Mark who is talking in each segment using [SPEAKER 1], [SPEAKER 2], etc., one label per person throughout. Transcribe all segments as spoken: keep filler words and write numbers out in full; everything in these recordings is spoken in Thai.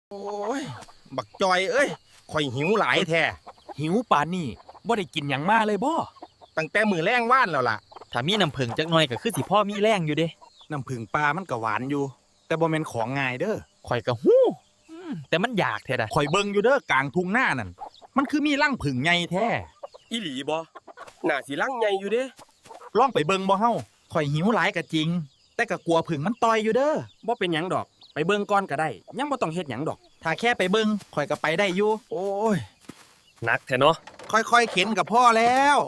[SPEAKER 1] โอ้ยบักจอยเอ้ยข่อยหิวหลายแท้
[SPEAKER 2] หิวปานนี่บ่ได้กินหยังมาเลยบ่
[SPEAKER 1] ตั้งแต่มือแรงว่านแล้วล่ะ
[SPEAKER 3] ถ้ามีน้ำผึ้งจักหน่อยก็คือสิพ่อมีแรงอยู่เด้
[SPEAKER 2] น้ำผึ้งปลามันก็หวานอยู่แต่บ่แม่นของง่ายเด้อ
[SPEAKER 3] ข่อยก็ฮู้แต่มันอยากแท้ดะ
[SPEAKER 2] ข่อยเบิ่งอยู่เด้อกลางทุ่งนานั่นมันคือมีรังผึ้งใหญ่แท้
[SPEAKER 1] อีหลีบ่น่าสิลังใหญ่อยู่เด้
[SPEAKER 2] ลองไปเบิ่งบ่เฮาข่อยหิวหลายก็จริงแต่ก็กลัวผึ้งมันต่อยอยู่เด้อ
[SPEAKER 4] บ่เป็นหยังดอกไปเบิ่งก่อนก็ได้ยังบ่ต้องเฮ็ดหยังดอก
[SPEAKER 2] ถ้าแค่ไปเบิ่งข่อยก็ไปได้อยู่
[SPEAKER 1] โอ้ย
[SPEAKER 3] หนักแท้เนาะ
[SPEAKER 2] ค่อยๆเข็นกับพ่อแล้ว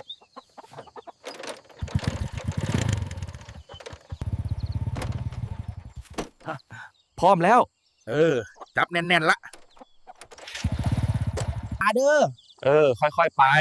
[SPEAKER 2] พร้อมแล้ว
[SPEAKER 1] เออจับแน่นๆละ
[SPEAKER 2] มาเด้อ
[SPEAKER 3] เออค่อยๆไป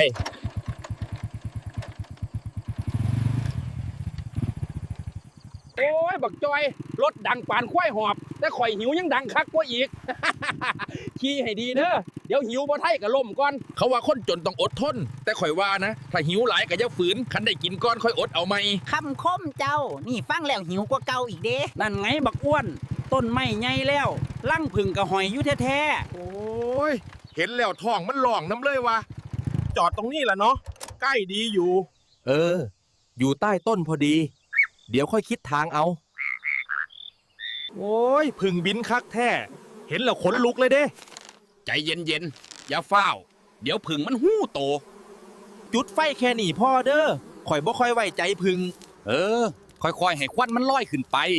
[SPEAKER 4] โอ้ยบักจอยรถดังปานควายหอบแต่ข่อยหิวยังดังคักกว่าอีก ขี่ให้ดีเด้อเดี๋ยวหิวบ่ไทยก็ล่มก่อน
[SPEAKER 1] เขาว่าคนจนต้องอดทนแต่ข่อยว่านะถ้าหิวหลายก็อย่าฝืนคันได้กินก้อนค่อยอดเอาไหม
[SPEAKER 5] คำคมเจ้านี่ฟังแล้วหิวกว่าเก่าอีกเด้
[SPEAKER 4] นั่นไงบักอ้วนต้นไม้ใหญ่แล้วลั่งผึ่งก็หอยอยู่แท้
[SPEAKER 1] ๆโอ้ยเห็นแล้วท้องมันร้องน้ำเลยวะจอดตรงนี้แหละเนาะใกล้ดีอยู่
[SPEAKER 2] เอออยู่ใต้ต้นพอดีเดี๋ยวค่อยคิดทางเอาโอ้ยผึ่งบินคักแท้เห็นแล้วขนลุกเลยเด้
[SPEAKER 1] ใจเย็นๆอย่าฟ้าวเดี๋ยวผึ่งมันหู้โต
[SPEAKER 2] จุดไฟแค่นี้พ่อเด้อข่อยบ่ค่อยไว้ใจผึ่ง
[SPEAKER 1] เออค่อยๆให้ควันมันลอยขึ้นไป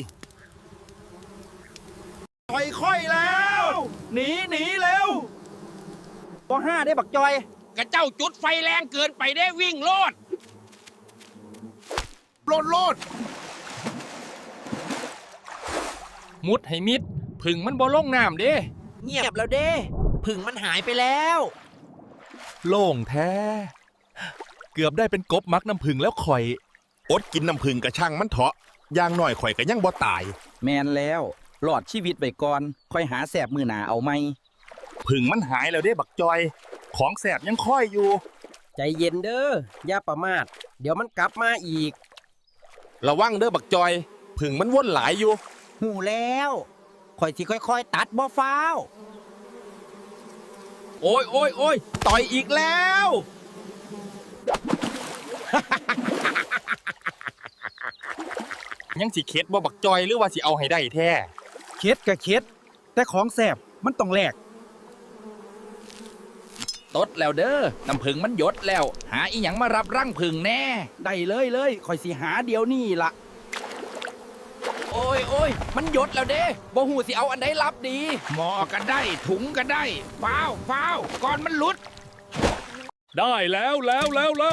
[SPEAKER 1] ค่อยๆแล้วหนีหนีเร็ว
[SPEAKER 4] บ่ห้าได้บักจอย
[SPEAKER 1] กระเจ้าจุดไฟแรงเกินไปได้วิ่งโลดโลดโลดมุดให้มิดผึ่งมันบ่ลงน้ำเด้
[SPEAKER 5] เงียบแล้วเด้ผึ่งมันหายไปแล้ว
[SPEAKER 2] โล่งแท้เกือบได้เป็นกบมักน้ำผึ้งแล้วข่อย
[SPEAKER 1] อดกินน้ำผึ้งกระช่างมันเถาะอย่างน้อยข่อยก็ยังบ่ตาย
[SPEAKER 4] แมนแล้วหลอดชีวิตไว้ก่อนค่อยหาแสบมือหนาเอาไหม
[SPEAKER 1] ผึ่งมันหายแล้วเด้บักจอยของแสบยังค่อยอยู่
[SPEAKER 4] ใจเย็นเด้ออย่าประมาทเดี๋ยวมันกลับมาอีก
[SPEAKER 1] ระวังเด้อบักจอยผึ่งมันวนหลายอยู่
[SPEAKER 5] หูแล้วข่อยสิค่อยๆตัดบ่ฟ้าว
[SPEAKER 1] โอ้ยโอ้ยโอ้ยต่อยอีกแล้ว ยังสิเค็ดบ่บักจอยหรือว่าสิเอาให้ได้แท้
[SPEAKER 2] เค็ดก็เค็ดแต่ของแสบมันต้องแลก
[SPEAKER 1] ตดแล้วเด้อน้ำผึ้งมันหยดแล้วหาอีหยังมารับรังผึ้งแน่
[SPEAKER 4] ได้เลยเลยข่อยสิหาเดี๋ยวนี้ล่ะ
[SPEAKER 1] โอ้ยโอ้ยมันหยดแล้วเด้บ่หูสิเอาอันใดรับดีหมอก็ได้ถุงก็ได้ฟ้าวฟ้าวก่อนมันหลุด
[SPEAKER 2] ได้แล้วแล้วแล้วแล้ว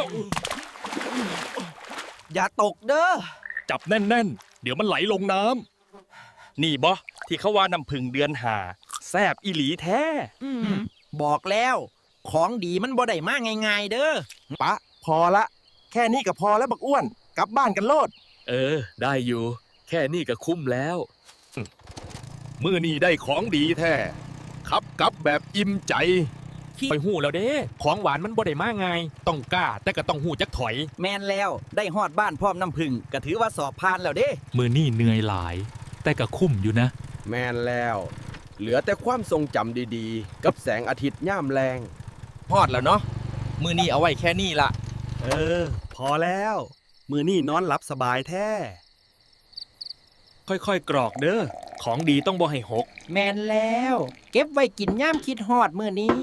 [SPEAKER 5] อย่าตกเด้อ
[SPEAKER 2] จับแน่นๆเดี๋ยวมันไหลลงน้ำนี่บ่ที่เขาว่าน้ำผึ้งเดือนหาแซบอีหลีแท้
[SPEAKER 5] บอกแล้วของดีมันบ่ได้มาง่ายๆเด้อ
[SPEAKER 2] ปะพอละแค่นี้ก็พอแล้วบักอ้วนกลับบ้านกันโลด
[SPEAKER 3] เออได้อยู่แค่นี้ก็คุ้มแล้ว
[SPEAKER 2] มื้อนี้ได้ของดีแท้ขับกลับแบบอิ่มใจ
[SPEAKER 3] ไปหู้แล้วเด้ของหวานมันบ่ได้มาง่ายต้องกล้าแต่ก็ต้องหู้จักถอย
[SPEAKER 5] แม่นแล้วได้ฮอดบ้านพร้อมน้ำผึ้งก็ถือว่าสอบผ่านแล้วเด้
[SPEAKER 3] มื้อนี้เหนื่อยหลายแต่ก็คุ้มอยู่นะ
[SPEAKER 6] แม่นแล้วเหลือแต่ความทรงจำดีๆกับแสงอาทิตย์ย่ามแรง
[SPEAKER 1] พอดแล้วเนาะมื้อนี้เอาไว้แค่นี้ล่ะ
[SPEAKER 2] เออพอแล้วมื้อนี้นอนหลับสบายแท้ค่อยๆกรอกเด้อของดีต้องบ่ให้หก
[SPEAKER 5] แม่นแล้วเก็บไว้กินย่ามคิดฮอดมื้อนี้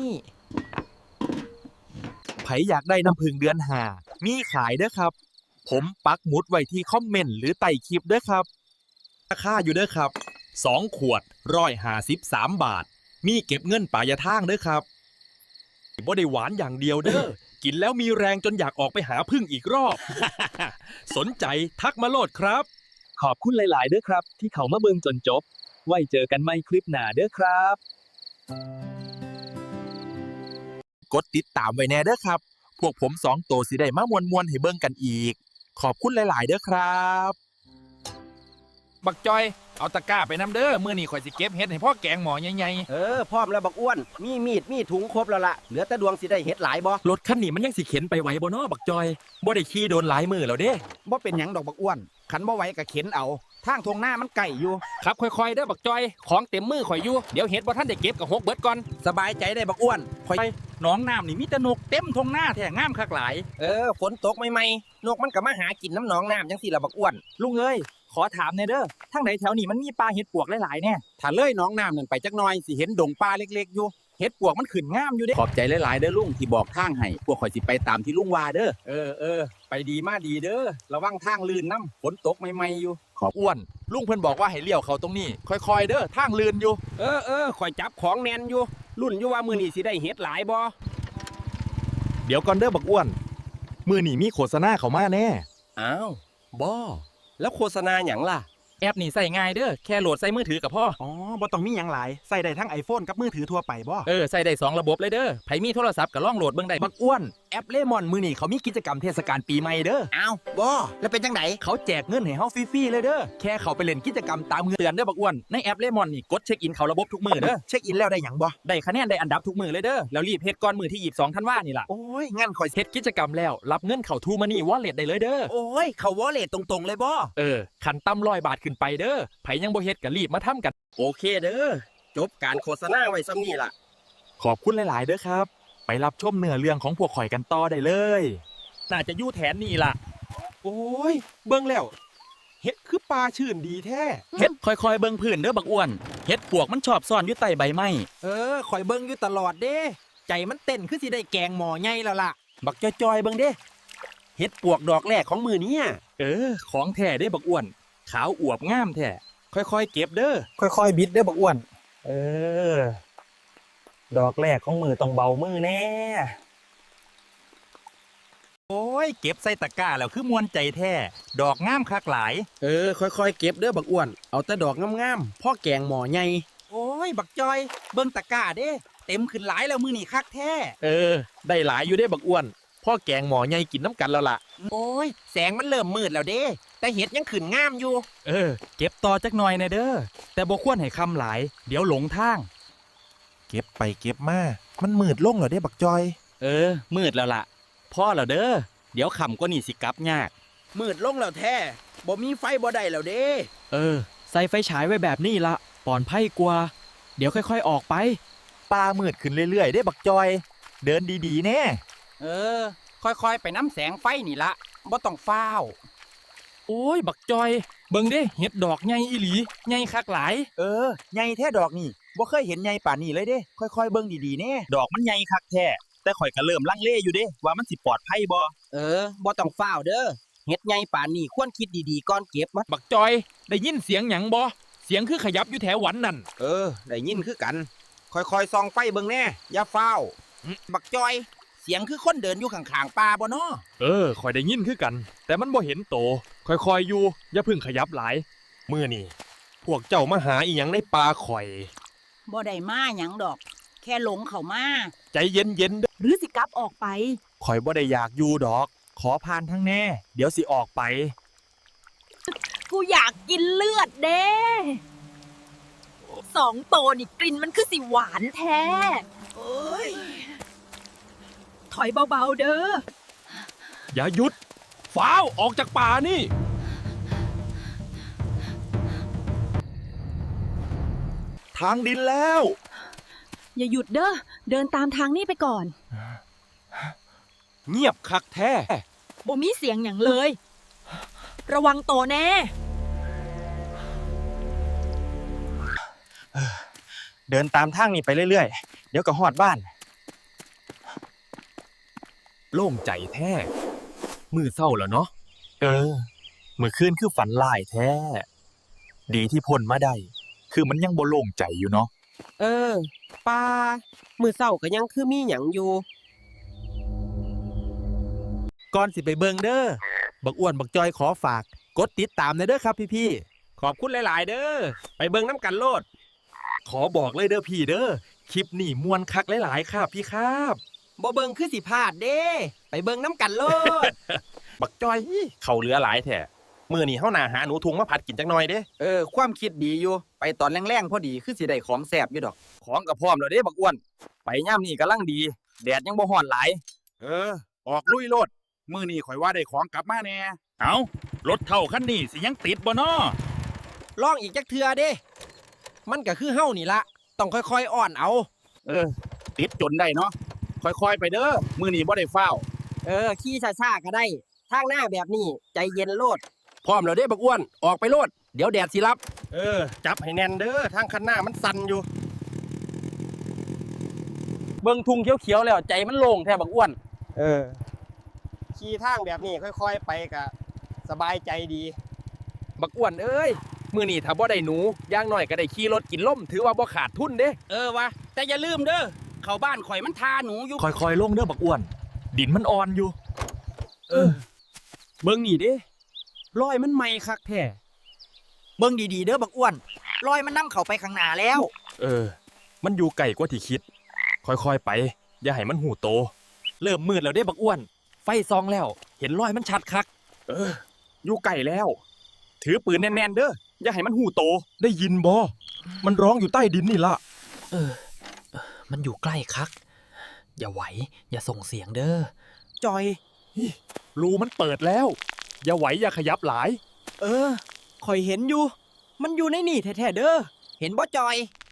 [SPEAKER 2] ไผอยากได้น้ำผึ้งเดือนห้ามีขายเด้อครับผมปักหมุดไว้ที่คอมเมนต์หรือใต้คลิปเด้อครับราคาอยู่เด้อครับสองขวดหนึ่งร้อยห้าสิบสามบาทมีเก็บเงินปลายทางเด้อครับบ่ได้หวานอย่างเดียวเด้อกินแล้วมีแรงจนอยากออกไปหาผึ้งอีกรอบ สนใจทักมาโลดครับ
[SPEAKER 3] ขอบคุณหลายๆเด้อครับที่เขามาเบิ่งจนจบไว้เจอกันใหม่คลิปหน้าเด้อครับ
[SPEAKER 2] กดติดตามไว้แน่เด้อครับพวกผมสองโตสิได้มามวนๆให้เบิ่งกันอีกขอบคุณหลายๆเด้อครับ
[SPEAKER 1] บักจอยเอาตะกร้าไปน้ำเด้อมื้อนี้ข่อยสิเก็บเฮ็ดให้พ่อแกงหมอใหญ่
[SPEAKER 6] เออพร้อมแล้วบักอ้วน มีมีดมีถุงครบแล้วล่ะ เหลือแต่ดวงสิได้เฮ็ดหลายบ่
[SPEAKER 2] รถคันนี้มันยังสิเข็นไปไหวบ่น้อบักจอยบ่ได้ขี่โดนหลายมือแล้วเด้
[SPEAKER 5] บ่เป็นหยังดอกบักอ้วนขันบ่ไหวก็เข็นเอาทางทงหน้ามันไก่อยู่
[SPEAKER 4] ๆครับค่อยๆเด้อบักจอยของเต็มมือข่อยอยู่เดี๋ยวเฮ็ดบ่ทันได้เก็บกับหกเบิดก่อน
[SPEAKER 5] สบายใจได้บักอ้วนคอย
[SPEAKER 3] น้องน้ำนี่มีแต่นกเต็มทงหน้าแท้งามคักหลาย
[SPEAKER 5] เออฝนตกใหม่ๆนกมันก็มาหากินน้ำหนองน้ำจังสิล่ะบักอ้วน
[SPEAKER 3] ลุงเอ้ยขอถามหน่อยเด้อทางไหนแถวนี้มันมีปลาเห็ดปวกหลายๆแน่
[SPEAKER 5] ถ้าเลยหน้องน้ำนั่นไปจักหน่อยสิเห็นดงปลาเล็กๆอยู่เห็ดปวกมันขึ้นงามอยู่เด้
[SPEAKER 3] ขอบใจหลายๆเด้อลุงที่บอกทางให้พวกข่อยสิไปตามที่ลุงว่าเด้อ
[SPEAKER 5] เออเออไปดีมาดีเด้อระวังทางลื่นน้ำฝนตกใหม่ๆอยู่
[SPEAKER 2] ๆอ้วนลุงเพิ่นบอกว่าให้เลี้ยวเข้าตรงนี้ ค่อยๆเด้อทางลื่นอยู่
[SPEAKER 4] เออเออข่อยจับของแน่นอยู่รุ่นอยู่ว่ามื้อนี้สิได้เฮ็ดหลายบ่
[SPEAKER 2] เดี๋ยวก่อนเด้อบักอ้วนมือนี่มีโฆษณาเข้ามาแน่
[SPEAKER 6] อ้าวบ่แล้วโฆษณาหยังล่ะ
[SPEAKER 3] แอปนี่ใส่ง่ายเด้อแค่โหลดใส่มือถือกับพ่อ
[SPEAKER 7] อ๋อบ่ต้องมีหยังหลาย ใส่ได้ทั้ง iPhone กับมือถือทั่วไปบ่
[SPEAKER 3] เออใส่ได้สองระบบเลยเด้อไผมีโทรศัพท์ก็ลองโหลดเบิ่งได้
[SPEAKER 2] บักอ้วนแอปเลมอนมือนี่เขามีกิจกรรมเทศกาลปีใหม่เด้อ
[SPEAKER 5] อ้าวบ่แล้วเป็นจังได
[SPEAKER 2] เขาแจกเงินให้เฮาฟรีๆเลยเด้อแค่เขาไปเล่นกิจกรรมตามเงิน
[SPEAKER 3] เตือนเด้อบักอ้วนในแอปเลมอนนี่กดเช็คอินเข้าระบบทุกมื้อเด้อ
[SPEAKER 7] เช็คอินแล้วได้หยังบ่
[SPEAKER 3] ได้คะแนนได้อันดับทุกมื้อเลยเด้อแล้วรีบเฮ็ดก่อนมื้อที่ยี่สิบสองธันวานี่ล่ะ
[SPEAKER 7] โอ้ย งั้นข่อย
[SPEAKER 3] เฮ็ดกิจกรรมแล้วรับเงินเข้าทูมานี่วอลเล็ตได้เลยเด้อ
[SPEAKER 5] โอ้ยเขาวอลเล็ตตรงๆเลยบ่
[SPEAKER 3] เออคันต่ำร้อยบาทขึ้นไปเด้อไผยังบ่เฮ็ดก็รีบมาทำกัน
[SPEAKER 6] โอเคเด้อจบการโฆษณาไว้ซ้ำนี่ล่ะ
[SPEAKER 2] ขอบคุณหลายๆเด้อครับ ไปรับชมเนื้อเรื่องของพวกข่อยกันต่อได้เลย
[SPEAKER 3] น่าจะอยู่แถนนี่ล่ะ
[SPEAKER 7] โอ้ย เบิ่งแล้ว เฮ็ดคือปลาชื่นดีแท้
[SPEAKER 3] เฮ็ดค่อยๆเบิ่งพื้นเด้อบักอ้วนเฮ็ดปวกมันชอบซ่อนอยู่ใต้ใบไม้
[SPEAKER 5] เออคอยเบิ่งอยู่ตลอดเด้ใจมันเต้นคือสิได้แกงหมอใหญ่แล้วล่ะ
[SPEAKER 6] บักจอยๆเบิ่งเด้เฮ็ดปวกดอกแรกของมือนี้
[SPEAKER 3] เออ ของแท้เด้บักอ้วน ขาวอวบงามแท้ค่อยๆเก็บเด้อ
[SPEAKER 7] ค่อยๆ บิดเด้อบักอ้วน เออ ดอกแรกของมือต้องเบามือแน่
[SPEAKER 2] โอ้ย เก็บใส่ตะกร้าแล้วคือมวนใจแท้ ดอกงามคักหลาย
[SPEAKER 6] เออค่อยๆเก็บเด้อบักอ้วนเอาแต่ดอกงามๆพ่อแกงหมอใหญ่
[SPEAKER 5] โอ้ยบักจอยเบิ่งตะกร้าเด้เต็มขึ้นหลายแล้วมื้อนี้คักแท้
[SPEAKER 3] เออ ได้หลายอยู่เด้บักอ้วน พ่อแกงหมอใหญ่กินน้ำกันแล้วล่ะ
[SPEAKER 5] โอ้ยแสงมันเริ่มมืดแล้วเด้แต่เห็ดยังขึ้นงามอยู่
[SPEAKER 3] เออ เก็บต่อจักหน่อยนะเด้อ แต่บ่ควรให้คำหลาย เดี๋ยวหลงทาง
[SPEAKER 7] เก็บไปเก็บมา มันมืดลงเหรอเด้บักจอย
[SPEAKER 3] เออ มืดแล้วล่ะ พ่อแล้วเด้อ เดี๋ยวค่ำก็นี่สิกลับยาก
[SPEAKER 5] มืดลงแล้วแท้บ่มีไฟบ่ได้แล้วเด้
[SPEAKER 3] เออ ใส่ไฟฉายไว้แบบนี้ละปลอดภัยกว่า เดี๋ยวค่อยๆออกไป
[SPEAKER 2] ปลามืดขึ้นเรื่อยๆ ได้บักจอย เดินดีๆแน่
[SPEAKER 5] เออ ค่อยๆไปน้ำแสงไฟนี่ละบ่ต้องฟ้าว
[SPEAKER 3] โอ้ย บักจอย เบิ่งเด้เห็ดดอกใหญ่อีหลีใหญ่คักหลาย
[SPEAKER 7] เออ ใหญ่แท้ดอกนี่บ่เคยเห็นใหญ่ป่านนี้เลยเด้ ค่อยๆ เบิ่งดีๆแน่
[SPEAKER 2] ดอกมันใหญ่คักแท้ แต่ข่อยก็เริ่มลังเลอยู่เด้ว่ามันสิปลอดภัยบ่
[SPEAKER 5] เออบ่ต้องฟ้าวเด้อเฮ็ดใหญ่ป่านนี้ควรคิดดีๆก่อนเก็บมัน
[SPEAKER 3] บักจอย ได้ยินเสียงหยังบ่เสียงคือขยับอยู่แถวหวันนั่น
[SPEAKER 5] เออได้ยินคือกัน ค่อยๆส่องไฟเบิ่งแน่อย่าฟ้าวบักจอย เสียงคือคนเดินอยู่ข้างๆป่าบ่น้อ
[SPEAKER 3] เออข่อยได้ยินคือกัน แต่มันบ่เห็นโต ค่อยๆอยู่ อย่าเพึ่งขยับหลาย
[SPEAKER 2] มื้อนี่พวกเจ้ามาหาอีหยังในป่าข่อย
[SPEAKER 8] บ่ได้มาหยังดอก แค่หลงเข้ามา
[SPEAKER 2] ใจเย็นๆเด้อ
[SPEAKER 8] หรือสิกลับออกไป
[SPEAKER 2] ข่อยบ่ได้อยากอยู่ดอก ขอผ่านทั้งแน่ เดี๋ยวสิออกไป
[SPEAKER 8] กูอยากกินเลือดเด้สองโตนี่กลิ่นมันคือสิหวานแท้โอ้ยถอยเบาๆเด้อ
[SPEAKER 3] อย่าหยุดฟ้าวออกจากป่านี่
[SPEAKER 2] ทางดินแล้ว
[SPEAKER 8] อย่าหยุดเด้อ เดินตามทางนี้ไปก่อน
[SPEAKER 2] เงียบคักแท้
[SPEAKER 8] บ่มีเสียงอย่างเลย ระวังโตแน่
[SPEAKER 7] เดินตามทางนี้ไปเรื่อยๆ เดี๋ยวก็ฮอดบ้าน
[SPEAKER 2] โล่งใจแท้ มือเศร้าแล้วเนาะ เออ มือคืนคือฝันลายแท้ ดีที่พ้นมาได้ คือมันยังบ่โล่งใจอยู่เนาะ
[SPEAKER 6] เออปลามือเศร้าก็ยังคือมีหยังอยู่
[SPEAKER 2] ก่อนสิไปเบิงเด้อ บักอ้วนบักจอยขอฝาก กดติดตามหน่อยเด้อครับพี่
[SPEAKER 4] ขอบคุณหลายๆ เด้อไปเบิ่งน้ำกันโลด
[SPEAKER 2] ๆ ขอบอกเลยเด้อพี่เด้อ คลิปนี่มวนคักหลายๆครับพี่ครับ
[SPEAKER 5] บ่เบิ่งคือสิพลาดเด้ ไปเบิ่งน้ำกันโลด
[SPEAKER 2] บักจอย เขาเหลือหลายแท้มื้อนี้เฮาหน้าหาหนูทุงมาผัดกินจักหน่อยเด้
[SPEAKER 5] เออ ความคิดดีอยู่ ไปตอนแรงๆพอดีคือสิได้ของแซ่บอยู่ดอก
[SPEAKER 2] ของก็พร้อมแล้วเด้บักอ้วน ไปยามนี้กำลังดี แดดยังบ่ร้อนหลาย
[SPEAKER 1] เออ ออกลุยโลดมื้อนี้ข่อยว่าได้ของกลับมาแน่เอารถเท่าคันนี้สิยังติดบ่น้อ
[SPEAKER 5] ลองอีกจักเทื่อเด้ มันก็คือเฮานี่ละต้องค่อยๆอ่อนเอา
[SPEAKER 1] เออ ติดจนได้เนาะค่อยๆไปเด้อมื้อนี้บ่ได้ฟ้าว
[SPEAKER 5] เออ ขี่ช้าๆก็ได้ ทางหน้าแบบนี้ใจเย็นโลด
[SPEAKER 4] พร้อมแล้วเด้บักอ้วนออกไปโลดเดี๋ยวแดดสิรับ
[SPEAKER 2] เออ จับให้แน่นเด้อทางคันหน้ามันสั่นอยู่
[SPEAKER 4] เบิ่งทุ่งเขียวๆแล้วใจมันโล่งแท้บักอ้วน
[SPEAKER 9] เออ ขี่ทางแบบนี้ค่อยๆไปก็สบายใจดี
[SPEAKER 4] บักอ้วนเอ้ยมื้อนี้ถ้าบ่ได้หนูอย่างน้อยก็ได้ขี่รถกินล่มถือว่าบ่ขาดทุนเด้เออวะแต่อย่าลืมเด้อเข้าบ้านข่อยมันทาหนูอยู่
[SPEAKER 2] ค่อยๆลงเด้อบักอ้วน ดินมันอ่อนอยู่
[SPEAKER 4] เออเบิ่งนี่เด้รอยมันใหม่คักแท้
[SPEAKER 5] เบิ่งดีๆเด้อบักอ้วนรอยมันนำเข้าไปข้างหน้าแล้ว
[SPEAKER 2] เออ มันอยู่ไกลกว่าที่คิด ค่อยๆไป อย่าให้มันหูโต เริ่มมืดแล้วเด้บักอ้วน ไฟซองแล้ว เห็นรอยมันชัดคัก เออ อยู่ไกลแล้ว ถือปืนแน่นๆเด้อ อย่าให้มันหูโต ได้ยินบ่มันร้องอยู่ใต้ดินนี่ล่ะ
[SPEAKER 10] เออ มันอยู่ใกล้คัก อย่าไหว อย่าส่งเสียงเด้อ
[SPEAKER 5] จอย
[SPEAKER 2] รูมันเปิดแล้ว อย่าไหวอย่าขยับหลาย
[SPEAKER 5] เออข่อยเห็นอยู่ มันอยู่ในนี่แท้ๆเด้อ เห็นบ่จอย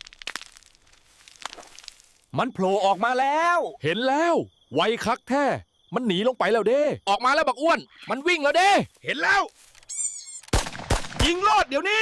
[SPEAKER 2] มันโผล่ออกมาแล้ว เห็นแล้ว ไวคักแท้ มันหนีลงไปแล้วเด้
[SPEAKER 4] ออกมาแล้วบักอ้วนมันวิ่งแล้วเด้
[SPEAKER 1] เห็นแล้ว ยิงโลดเดี๋ยวนี้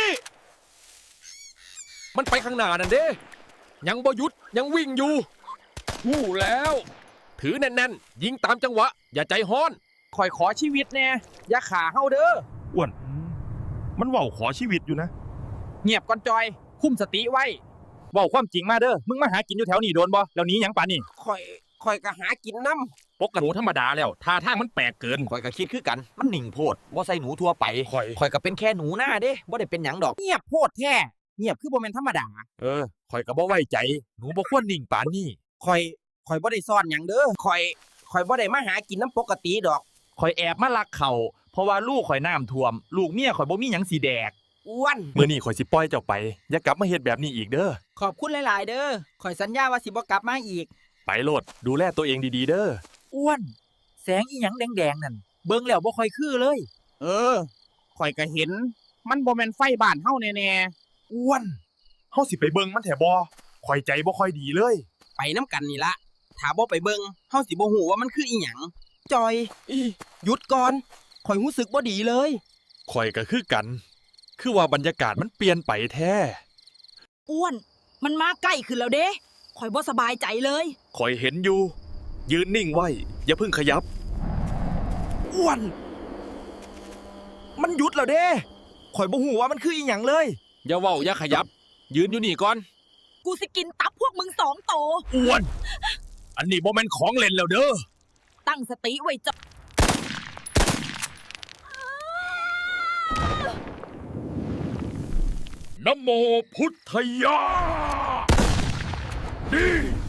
[SPEAKER 2] มันไปข้างหน้านั่นเด้ ยังบ่หยุดยังวิ่งอยู่หู้แล้ว ถือแน่นๆ ยิงตามจังหวะ อย่าใจฮ้อน
[SPEAKER 4] ข่อยขอชีวิตแน่อย่าขาเฮาเด้อ
[SPEAKER 2] อ้วน มันเว้าขอชีวิตอยู่นะ
[SPEAKER 4] เงียบก่อนจอย คุมสติไว้
[SPEAKER 2] เว้าความจริงมาเด้อ มึงมาหากินอยู่แถวนี้โดนบ่แล้วหนี้หยังปานนี่
[SPEAKER 5] ข่อยข่อยก็หากินน้
[SPEAKER 2] ปกติหนูธรรมดาแล้วท่าทางมันแปลกเกิน
[SPEAKER 5] ำข่อยก็คิดคือกัน มันหนิ่งโพดบ่ใส่หนูทั่วไป
[SPEAKER 2] ข่อย
[SPEAKER 5] ข่อยก็เป็นแค่หนูหน้าเด้บ่ได้เป็นหยังดอก เงียบโพดแท้เงียบคือบ่แม่นธรรมดา
[SPEAKER 2] เออ ข่อยก็บ่ไว้ใจ หนูบ่ควรนิ่งปานนี้
[SPEAKER 5] ข่อยข่อยบ่ได้ซ่อนหยังเด้อข่อยข่อยบ่ได้มาหากินน้ำปกติดอก
[SPEAKER 2] ข่อยแอบมาลักเขาเพราะว่าลูกข่อยน้ำท่วม ลูกเมียข่อยบ่มีหยังสิแดก
[SPEAKER 5] อ้วน
[SPEAKER 2] มื้อนี้ข่อยสิปล่อยเจ้าไป อย่ากลับมาเฮ็ดแบบนี้อีกเด้อ
[SPEAKER 5] ขอบคุณหลาย ๆ เด้อข่อยสัญญาว่าสิบ่กลับมาอีก
[SPEAKER 2] ไปโลด ดูแลตัวเองดีๆเด้อ
[SPEAKER 5] อ้วน แสงอีหยังแดงๆนั่นเบิ่งแล้วบ่ค่อยคือเลย
[SPEAKER 1] เออข่อยก็เห็น มันบ่แม่นไฟบ้านเฮาแน่
[SPEAKER 2] อ้วน เฮาสิไปเบิ่งมันแถบ่ข่อยใจบ่ค่อยดีเลย
[SPEAKER 5] ไปน้ำกันนี่ละถ้าบ่ไปเบิ่งเฮาสิบ่ฮู้ว่ามันคืออีหยังจอยหยุดก่อนข่อยรู้สึกบ่ดีเลย
[SPEAKER 2] ข่อยก็คือกัน คือว่าบรรยากาศมันเปลี่ยนไปแท้
[SPEAKER 8] อ้วน มันมาใกล้ขึ้นแล้วเด้ข่อยบ่สบายใจเลย
[SPEAKER 2] ข่อยเห็นอยู่ ยืนนิ่งไว้ อย่าเพิ่งขยับ
[SPEAKER 5] อ้วน มันหยุดแล้วเด้ข่อยบ่ฮู้ว่ามันคืออีหยังเลย
[SPEAKER 4] อย่าเว้าอย่าขยับ ยืนอยู่นี่ก่อน
[SPEAKER 8] กูสิกินตับพวกมึงสองโต
[SPEAKER 2] อ้วน อันนี้บ่แม่นของเล่นแล้วเด้อ
[SPEAKER 8] ตั้งสติไว้จ้ะ
[SPEAKER 2] นะโมพุทธยาดี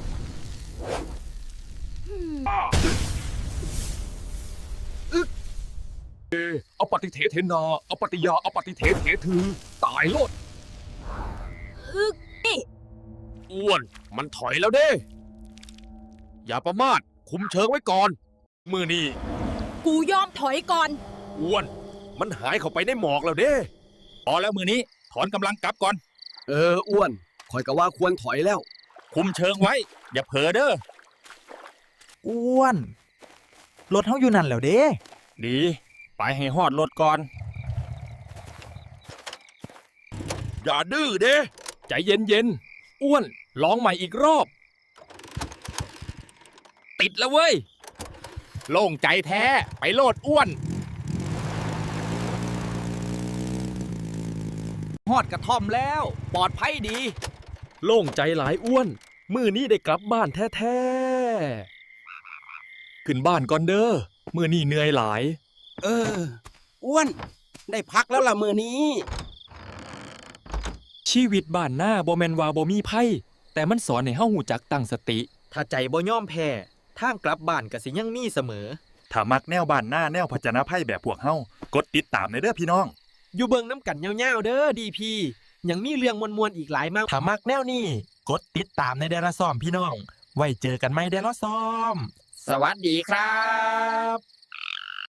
[SPEAKER 2] เอาปฏิเทเทนาเอาปฏิยาเอาปฏิเทเทถือ ตายโลด
[SPEAKER 8] อึกนี่
[SPEAKER 2] อ้วน มันถอยแล้วเด้ อย่าประมาท คุมเชิงไว้ก่อน มือนี่
[SPEAKER 8] กูยอมถอยก่อน
[SPEAKER 2] อ้วน มันหายเข้าไปในหมอกแล้วเด้พอแล้วมือนี้ ถอนกำลังกลับก่อน
[SPEAKER 6] เออ อ้วนข่อยก็ว่าควรถอยแล้ว
[SPEAKER 2] คุมเชิงไว้ อย่าเผลอเด้อ
[SPEAKER 5] อ้วน รถเฮาอยู่นั่นแล้วเด้
[SPEAKER 2] ดี ไปให้ฮอดรถก่อน อย่าดื้อเด้ใจเย็นๆ อ้วน ลองใหม่อีกรอบ
[SPEAKER 4] ติดแล้วเว้ย โล่งใจแท้ ไปโลดอ้วน
[SPEAKER 5] ฮอดกระท่อมแล้ว ปลอดภัยดี
[SPEAKER 2] โล่งใจหลายอ้วน มือนี้ได้กลับบ้านแท้ๆ ขึ้นบ้านก่อนเด้อ มือนี้เหนื่อยหลาย
[SPEAKER 5] เออ อ้วน ได้พักแล้วล่ะมื้อนี้
[SPEAKER 2] ชีวิตบ้านหน้าบ่แม่นว่าบ่มีภัย แต่มันสอนให้เฮาหูจักตั้งสติ
[SPEAKER 10] ถ้าใจบ่ยอมแพ้ทางกลับบ้านก็สิยังมีเสมอ
[SPEAKER 2] ถ้ามักแนวบ้านหน้าแนวพจนาภัยแบบพวกเฮากดติดตามในเด้อพี่น้อง
[SPEAKER 3] อยู่เบิ่งน้ำกันยาวๆเด้อดีพียังมีเรื่องมวลๆอีกหลายมาก
[SPEAKER 2] ถ้ามักแนวนี้กดติดตามในเดลซ่อมพี่น้อง ไว้เจอกันไหมเดลซ่อม
[SPEAKER 5] สวัสดีครับ